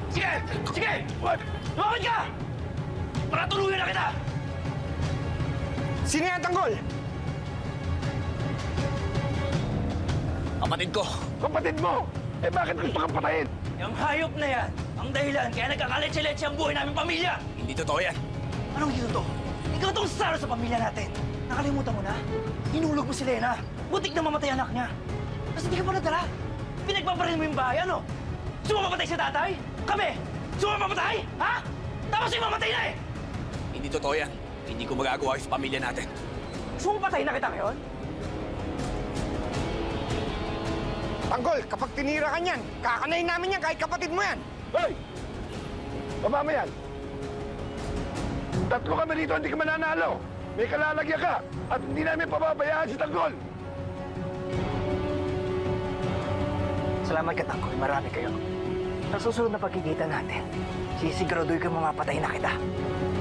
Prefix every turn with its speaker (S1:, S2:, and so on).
S1: Sige! Sige! Lumapit ka! Para tuluyan na kita!
S2: Sino yan, Tanggol?
S1: Kapatid ko!
S3: Kapatid mo! Eh bakit gusto kang patayin?
S1: Yung hayop na yan, ang dahilan kaya nagkakaletsi-letsi ang buhay naming pamilya! Hindi totoo yan! Anong hindi totoo? Ikaw tong saro sa pamilya natin! Nakalimutan mo na? Hinulog mo si Lena! Butik na mamatay anak niya! Tapos hindi ka pa nadala! Pinagpaparil mo yung bahay, ano? Sumapapatay si tatay? Kami! Sumapapatay? Ha? Tapos yung mamatay na eh! Hindi totoo yan. Hindi ko magagawa sa pamilya natin. Sumapatay na kita ngayon?
S2: Tanggol, kapag tinira ka niyan, kakanayin namin yan kahit kapatid mo yan.
S3: Hoy! Baba mo yan! Tatlo kami rito, hindi ka mananalo! May kalalagyan ka! At hindi namin pababayaan si Tanggol!
S1: Salamat ka, Tanggol. Marami kayo. Sa susunod na pagkikita natin, sisiguraduhin ko mamapatay na kita.